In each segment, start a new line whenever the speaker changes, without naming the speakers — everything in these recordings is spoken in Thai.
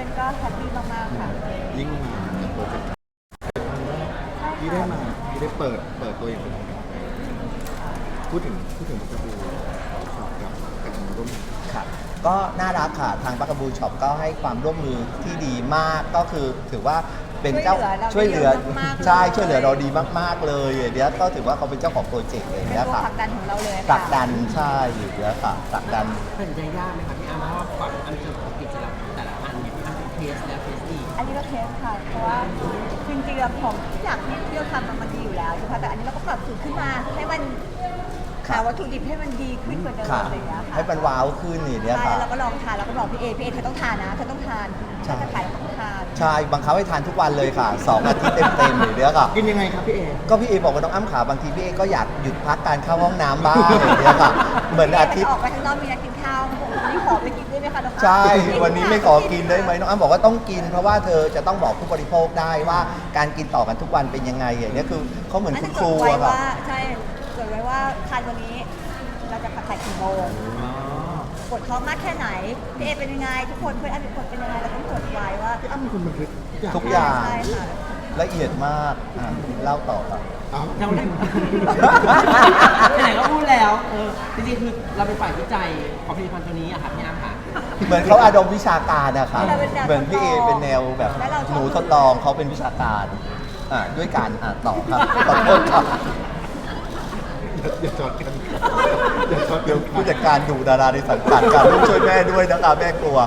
อนๆก็แฮปปี้มากๆค่ะ
ยิ่งมาโปรเจกต์ที่ได้มาที่ได้เปิดตัวอย่างเป็นทางการพูดถึงบัคกะบูช็อปกับการร่วมงาน
ค่ะก็น่ารักค่ะทางบัคกะบูช็อปก็ให้ความร่วมมือที่ดีมากก็คือถือว่าเป็นเจ้าช่วยเหลือใช่ช่วยเหลือเราดีมากๆเลยเดี๋ยวก็ถือว่าเขาเป็นเจ้าของโปรเจกต์เลย
เป็น
เนี่ย
ตัว
ค่ะ
ผลักดันของเราเลย
ผลักดันใช่อยู่เดี๋ยวค่ะผลักดัน
เป็นใจยากไหมคะพี่อาร์มเพราะว่าก่อนอันจะกิจลักษณ์แต่ละอันเนี่ยอันเป็นเทสแล้วเทสอีก
อันนี้ก็เทสค่ะเพราะว่าจริงๆแล้วของทุกอย่างที่เราทำมันดีอยู่แล้วใช่ไหมแต่อันนี้เราก็ปรับสูตรขึ้นมาให้มันหาวัตถุดิบให้มันดีขึ้นกว่าเดิม
ค่ะ
อะไรอย่างเงี้ยค่ะ
ให้มันว้าวขึ้นนี่เนี่ย
ใช่
ค่ะ
แล้วเราก็ลองทานแล้วก็บอกพี่เอเธอต้องทานนะเธอต้องทานถ้าจะขายเราต้องทาน
ใช่บังคับให้ทานทุกวันเลยค่ะ2 อาทิตย์เต็มๆเลยเนี่ยค่ะ
กินยังไงครับพี่เอ
ก็พี่เอบอกว่าน้องอ้ำขาบางทีพี่เอก็อยากหยุดพักการเข้าห้องน้ำบ้างอย่างเงี้ยค่ะเหมือนอาทิตย์
ออกไปข้างนอกมีนัดกินข้าวผมวันนี้ขอไปกินได้ไหมคะน้องอ้ำ
ใช่วันนี้ไม่ขอกินได้ไหมน้องอ้ำบอกว่าต้องกิน เพราะว่าเธอจะต้องบอกผู้บริโภคได้ว่าการกินต่อกันทุกวันเป็นยังไงอย่างเงี้ยคือเขาเหมือนคุณครู
ไว้
อะค่ะ
ว่าใช่จดไว้ว่าทานวันนี้เราจะขายกี่โมงปวดท้องมากแค่ไหนพี่เอเป็นยังไงทุกคนเพื่อนอันเป็นคนเป็นยังไงเราต้องจดไว้ว่า
พี่อ้ำเป็นคนบันทึกทุ
ทุ
ก
ก
อ
อย่าง ย่าง
ใช่ค่ะ
ละเอียดมากเล่าต่อครับ
เอา
เราได้ไหนก็พูดแล้วจริงๆคือเราเป็นฝ่ายวิจัยของผลิตภัณฑ์ตัวนี้อะค่ะพี่อาร์มค่ะ
เหมือนเขาอารมณ์วิชาการนะคะ
เราเป็นแนว
เหมือนพี่เอเป็นแนวแบบ
และเราชอบ
หนูทดลองเขาเป็นวิชาการด้วยการต่อครับขอโทษครับ
อย่าจอดกันอย่าจอด
เดี๋ยวผู้จัดการดูดาราในสังกัดการลูกช่วยแม่ด้วยนะคะแม่กลัว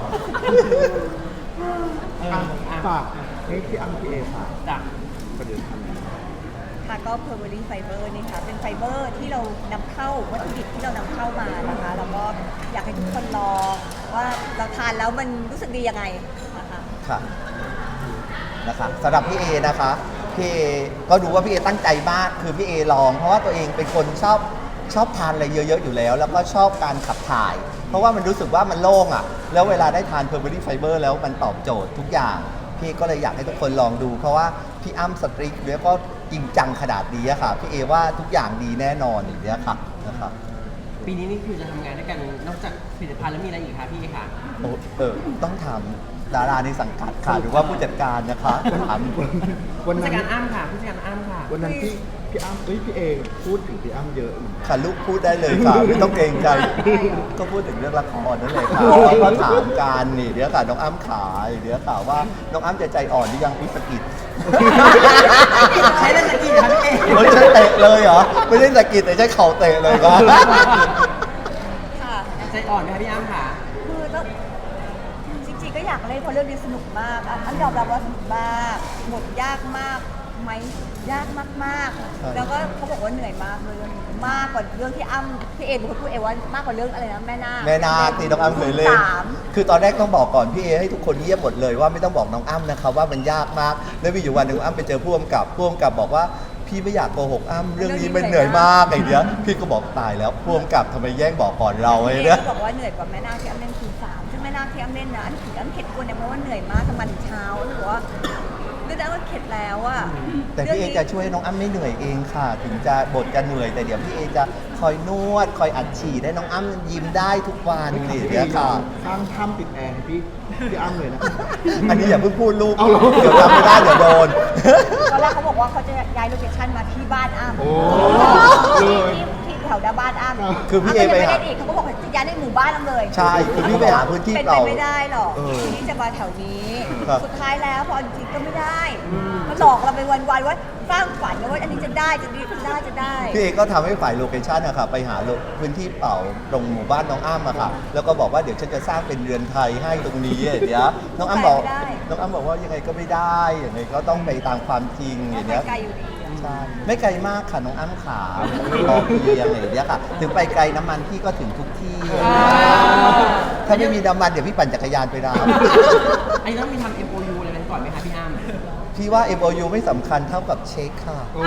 ฝากให้พี่อ้ำพี่เอฝาก
จ้ะ
ประเด็นท
ค่ะก็ Pervering Fiber นี่ค่ะเป็นไฟเบอร์ที่เรานำเข้าวัตถุดิบที่เรานำเข้ามานะคะแล้วก็อยากให้ทุกคนลองว่าเราทานแล้วมันรู้สึกดียังไงนะคะ
ค่ะนะคะสำหรับพี่เอนะคะพี่เอก็ดูว่าพี่เอตั้งใจมากคือพี่เอลอง เพราะว่าตัวเองเป็นคนชอบทานอะไรเยอะๆอยู่แล้ว แล้วก็ชอบการขับถ่าย เพราะว่ามันรู้สึกว่ามันโล่งอ่ะแล้วเวลาได้ทาน Pervering Fiber แล้วมันตอบโจทย์ทุกอย่างพี่ก็เลยอยากให้ทุกคนลองดู เพราะว่าพี่อ้ำสตรีทแล้วก็จริงจังขนาดนี้อะค่ะพี่เอว่าทุกอย่างดีแน่นอนอย่างเงี้ยค่ะนะครับ
ปีนี้นี่คือจะทำงานด้วยกันนอกจากผลิตภัณฑ์แล้วมีอะไรอีกคะพี่ค่ะ
โอ้ต้องถามดาราในสังกัดค่ะหรือว่าผู้จัดการนะคะถาม
ำวัน
ผู้จั
นั้
ด
น
การอ้ำค่ะผู้จัดการอ้ำค่ะ
วันนั้นพี่อ้ำพี่เอพูดถึงพี่อ้ำเยอะเหมือนกัน
ค่ะลูกพูดได้เลยค่ะไม่ต้องเกรงใจก็พูดถึงเรื่องละครนั่นเลยค่ะก็ถามการนี่เดี๋ยวค่ะน้องอ้ำขายเดี๋ยวค่ะว่าน้องอ้ำจะใจอ่อนหรือยังพิสกิจ
ใช้ได้สกิลค่ะพี่เอ
ไม่ใช่เตะเลยเหรอไม่ได้สกิจแต่ใช้เข่าเตะเลยครับ
ค่ะ
ใจอ่อนไหมคะพี่อ้ำค่ะ
คือต้องจริงๆก็อยากเล่นเพราะเรื่องนี้สนุกมากอันยอมรับว่าสนุกมากบทยากมากไหมยากมากๆแล้วก็เขาบอกว่าเหนื่อยมากเลยเรื่องนี้มากกว่าเรื่องที่อ้ำพี่เอเป็นคนพูดเองว่ามากกว่าเรื่องอะไรนะแม่นาค
แม่นาคที่น้องอ้ำเคยเล่น
สาม
คือตอนแรกต้องบอกก่อนพี่เอให้ทุกคนเงียบหมดเลยว่าไม่ต้องบอกน้องอ้ำนะครับว่ามันยากมากแล้วมีอยู่วันหนึ่งอ้ำไปเจอผู้กำกับบอกว่าพี่ไม่อยากโกหกอ้ำเรื่องนี้มันเหนื่อยมากไอ้เนี้ยพี่ก็บอกตายแล้วผู้กำกับทำไมแย่งบอกก่อนเราไอ้
พี่เอ
เนี่ย
ก็บอกว่าเหนื่อยกว่าแม่นาคที่อ้ำเล่นคืนสามซึ่งแม่นาคที่อ้ำเล่นนะอันถึงอ้ำเข็ดตัวเนี่ยเพราะว่าเหนื่อยมากทำมาถึงเช้าแล้วบอกว่าเรื่องนั้นก็เข็ดแล้วอะ
แต่พี่เอจะช่วยให้น้องอ้ำไม่เหนื่อยเองค่ะ ถึงจะบทจะเหนื่อยแต่เดี๋ยวพี่เอจะคอยนวดคอยอัดฉีดให้น้องอ้ำยิ้มได้ทุกวันนี่เดี๋ยวค่ะ
สร้างถ้ำติดแอร์ให้พี่อ้ำเลยนะ
อันนี้อย่าเพิ่งพูดลูก
เอาเหรอ
เดี๋ยวทำไม่ได้เดี๋ยวโดน
ตอนแรกเขาบอกว่าเขาจะย้ายโลเคชั่นมาที่บ้านอ้ำ
โอ้
ที่แถวหน้าบ้านอ้ำ
คือพี่เอ
อ้ำก็
ไป
ยัง
หา
ม่ด้อีกเขาก็บอกว่าจะย้ายในหมู่บ้านอ้ำเลย
ใช่คือพี่ไปหาพื้นที่
เป็น
เป
ไป
ล่า
ไม่ได้หรอก
เออ
ทีนี้จะมาแถวนี้
ครับ
สุดท้ายแล้วพอจริงๆก็ไม่ได้มาหลอกเราไปวันๆว่าสร้างฝันนะว่าอันนี้จะได้จะดีจะได้
พี่เอก็ทำให้ฝ่ายโลเคชั่นอะค่ะไปหาพื้นที่เปล่าตรงหมู่บ้านน้องอ้ำอะค่ะแล้วก็บอกว่าเดี๋ยวฉันจะสร้างเป็นเรือนไทยให้ตรงนี้เดี๋ยวน้องอ้ำบอกว่ายังไงก็ไม่ได้ยังไงก็ต้องไปตามความจริงอย่างเงี้ย
ไกลอยู่ดีอะ
ใช่ไม่ไกลมากค่ะน้องอ้ำขาพอเพียงอะไรอย่างเงี้ยค่ะถึงไปไกลน้ำมันพี่ก็ถึงทุกที่ ถ้าไม่มีน้ำมันเดี๋ยวพี่ปั่นจักรยานไปรับ
อันนี้ต้องมีทำ MOU อะไรกันก่อนไหมคะพี่อ้ำ
พี่ว่า MOU ไม่สำคัญเท่ากับเช็คค่ะ
โอ้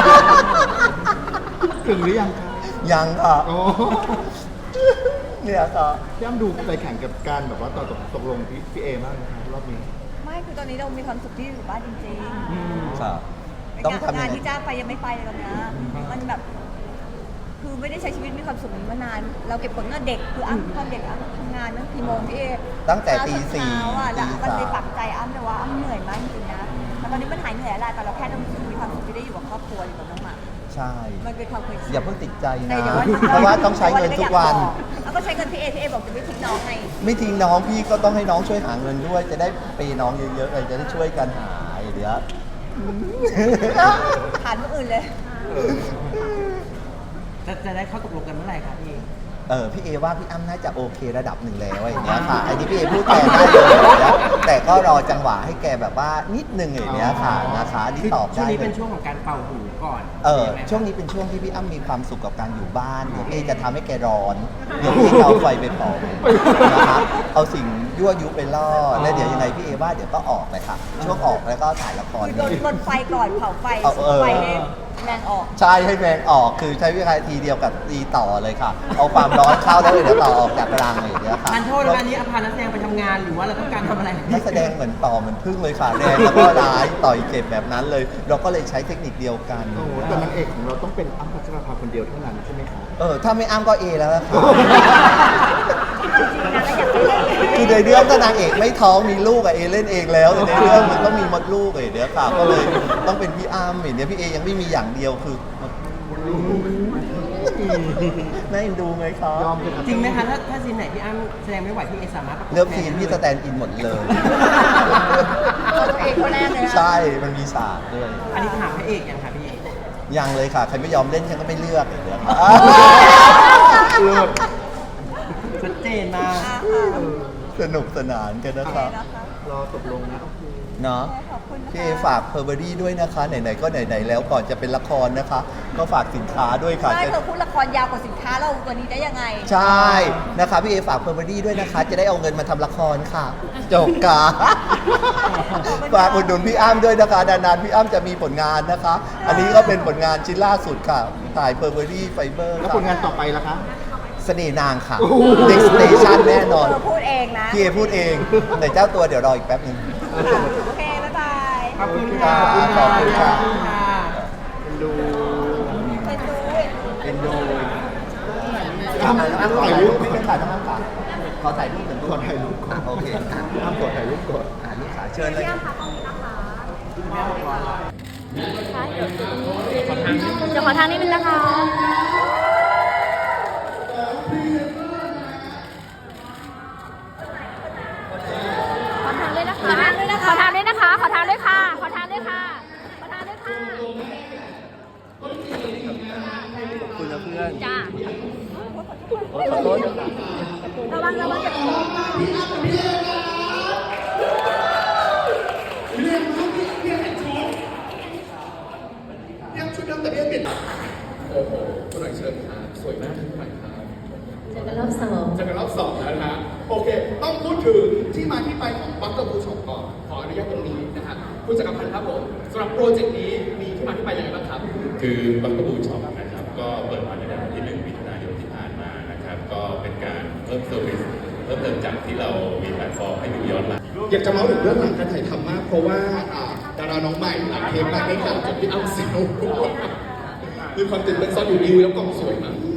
ถึงหรือยังคะ
ยังค่ะ
โอ้
เนี่ยค่ะ
พี่อ้ำดูใจแข็งกับการแบบว่าตกลงพี่เอมากนะครับรอบนี้
ไม่คือตอนนี้เรามีความสุขที่อยู่บ้านจริงๆ
ค่ะ
ใน
ต้อง
การ
ทำ
ทำงา
ยั
น
งไง
ที่จ้างไปยังไม่ไปเลยตอนเนี้ยมันแบบ คือไม่ได้ใช้ชีวิตมีความสุขนี้มานาน เราเก็บผลเงินเด็กคืออ้ำตอนเด็กอ้ำทำงานตั้งกี่โมงพี่เอ
ตั้งแต่ตี 4
เช้าอ่ะแล้วมันไปปักตัวอยู่กับน้องหมา
ใช่
มันเป็นความเคยชิน
อย่าเพิ่งติดใจ
แต่
นะ
เดี๋ยววัน
เพราะว่าต้องใช้เงินทุกวัน
แล้วก็ใช้เงินพี่เอบอกจะไม่ทิ้งน้องไง
ไม่ทิ้งน้องพี่ก็ต้องให้น้องช่วยหาเงินด้วย จะได้เปย์น้องเยอะๆเลยจะได้ช่วยกันหาเดี๋ยว
ผ่านเมื่ออื่นเลย
จะได้เข้าตกลงกันเมื่อไหร่ครับพี่
พี่เอว่าพี่อ้ำน่าจะโอเคระดับหนึ่งแล้วอย่างเงี้ยค่ะอันนี้พี่เอพูดแทนได้เลยอย่างเงี้ยแต่ก็รอจังหวะให้แกแบบว่านิดนึงอย่างเงี้ยค่ะนะคะอันนี้ตอบ
ช่ว
ได้
งนี้
เล
เป็น
ย
ช่วงของการเป่าหูก่อน
ช่วงนี้เป็นช่วงที่พี่อ้ำมีความสุขกับการอยู่บ้านเดี๋ยวเอจะทำให้แกร้อนเดี๋ยวพี่เอาไฟไปเผานะคะเอาสิ่งยั่วยุไปล่อแล้วเดี๋ยวยังไงพี่เอว่าเดี๋ยวก็ออกเลยค่ะช่วงออกแล้วก็ถ่ายละคร
คือลนไฟก่อนเผาไฟ ไฟให้แมงออก
ใช่ให้แมงออกคือใช้วิธีทีเดียวกับตีต่อเลยค่ะ เอาความร้อนเข้าแล้วเดี๋ยวต่อออกจากรังเลยเดี๋ยวค่ะ
ทันโทษนะคะอันนี้อภานักแสดงไปทำงานหรือว่าเราต้องการทำอะไร
นักแสดงเหมือนต่อเหมือนพึ่งเลยค่ะแรงแล้วก็ร้ายต่อยเจ็บแบบนั้นเลย เราก็เลยใช้เทคนิคเดียวกัน
โอ้โหแต่นางเอกของเราต้องเป็นอ้ำพัชราภาคนเดียวเท่านั้นใช่ไหมคะ
ถ้าไม่อ้ำก็เอแล้วล่ะค่ะ
จริงๆนะก็อยากให้เล่น
คือในเรื่องถ้านางเอกไม่ท้องมีลูกอะเอเล่นเองแล้วแต่ในเรื่องมันต้องมีมดลูกเดี๋ยวค่ะก็เลยต้องเป็นพี่อ้ำเนี่ยพี่เอยังไม่มีอย่างเดียวคือน่าเอ็นดูไหมคะ
ยอมเป็น
จริงไหมคะถ้าซีนไหนพี่อ้ำแสดงไม่ไหวพี่เอสามารถประกบ
เลือกซีนพี่สแตนด์อินหมดเลย
ตัวเองคนแรกเลยนะ
ใช่มันมีฉากด้วย
อันนี้ถามพระเอกยังค่ะพี่เอ
ยังเลยค่ะ ใครไม่ยอมเล่นฉันก็ไม่เลือกเดี๋ยวค่ะ
ชัดเจนมาก
สนุกสนานกันนะครับ
รอตกลงนะโอเค
เนาะ
ขอบคุณนะคะ
พี่เอฝากเพอร์เบอรี่ด้วยนะคะ ไหนๆก็ไหนๆแล้วก่อนจะเป็นละครนะคะ ก็ฝากสินค้าด้วยค่ะ
ใช่เธอพูดละครยาวกว่าสินค้าเราตัวนี้ได้ยังไง
ใช่นะคะพี่เอฝากเพอร์เบอรี่ด้วยนะคะ จะได้เอาเงินมาทำละครค่ะจบกาฝากอุดหนุนพี่อ้ำด้วยนะคะนานๆพี่อ้ำจะมีผลงานนะคะ อันนี้ก็เป็นผลงานชิ้นล่าสุดค่ะถ่ายเพอร์เบอรี่ไฟเบอร์
แล้วผลงานต่อไปล่ะคะ
เสน่ห์นางค่ะ Next Station แน่นอน
เธอพูดเองนะ
พี่เอพูดเอง แต่เจ้าตัวเดี๋ยวรออีกแป๊บนึง
โอเค บ๊ายบาย
ขอบคุณค่ะ
ขอบคุณค่ะ
เป็นดู
เป็นดู
เป็นดู
อ้ำถ่ายรูป
ไม่เป็นถ่ายต้องอ้ำค่ะขอถ่ายรูปหนึ่ง
ขอถ่ายรูปก่อน
โอเค
อ้ำขอถ่ายรูปก่อน
ลูกขาเชิญเลย
เดี๋ยวขอทางนิดนึงนะคะ ขอทางด้วยนะคะ ขอทางด้วยนะคะ ขอทางด้วยค่ะ ขอทางด้วยค่ะ ขอทางด้วยค่ะ
ขอบคุณนะเพื่อน
จ้า
ขอโทษนะคะ
ระวังอย่าตก
โอ้โหคุณหน่อยเชิญครับสวยมากคุณหน่อยครับ
เจอกันรอบสอง
เจอกันรอบสองแล้วนะฮะโอเค ต้องพูดถึงที่มาที่ไปของบัคเกอร์บูช็อปก่อน ขออนุญาตตรงนี้นะฮะคุณจักรพันธ์ครับผมสำหรับโปรเจกต์นี้มีที่มาที่ไปยังไงบ้างครับ
คือบังกะบูช็อปนะครับก็เปิดมาในวันที่ 1 มิถุนายนที่ผ่านมานะครับก็เป็นการเพิ่มเซอร์วิสเพิ่มเติมจากที่เรามีแพลตฟอร์มให้ดูย้อนหลัง
อยากจะเล่าถึงเรื่องหลังการถ่ายทำมาก เพราะว่าดาราน้องใหม่หลังเทปมาได้ข่าวจากพี่อ้ำสิโนมีความตื่นเต้นซ่อนอยู่ดีแล้วกล้องสวยมาก